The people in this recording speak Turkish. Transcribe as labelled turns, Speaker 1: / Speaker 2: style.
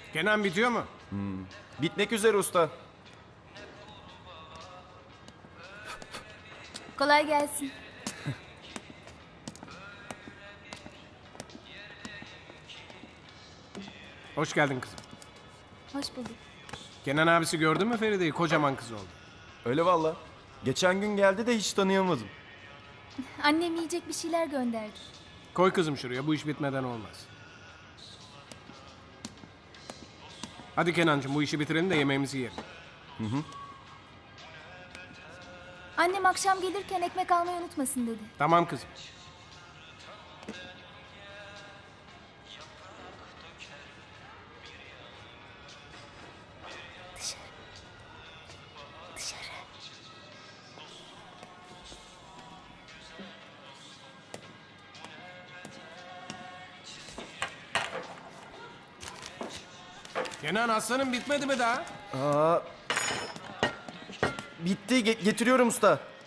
Speaker 1: Kenan bitiyor mu?
Speaker 2: Bitmek üzere usta.
Speaker 3: Kolay gelsin.
Speaker 1: Hoş geldin kızım.
Speaker 3: Hoş bulduk.
Speaker 1: Kenan abisi gördün mü Feride'yi? Kocaman kız oldu.
Speaker 2: Öyle valla. Geçen gün geldi de hiç tanıyamadım.
Speaker 3: Annem yiyecek bir şeyler gönderdi.
Speaker 1: Koy kızım şuraya. Bu iş bitmeden olmaz. Hadi Kenancığım bu işi bitirelim de yemeğimizi yiyelim.
Speaker 3: Annem akşam gelirken ekmek almayı unutmasın dedi.
Speaker 1: Tamam kızım.
Speaker 3: Dışarı. Dışarı.
Speaker 1: Kenan aslanım bitmedi mi daha?
Speaker 2: Bitti. Getiriyorum usta.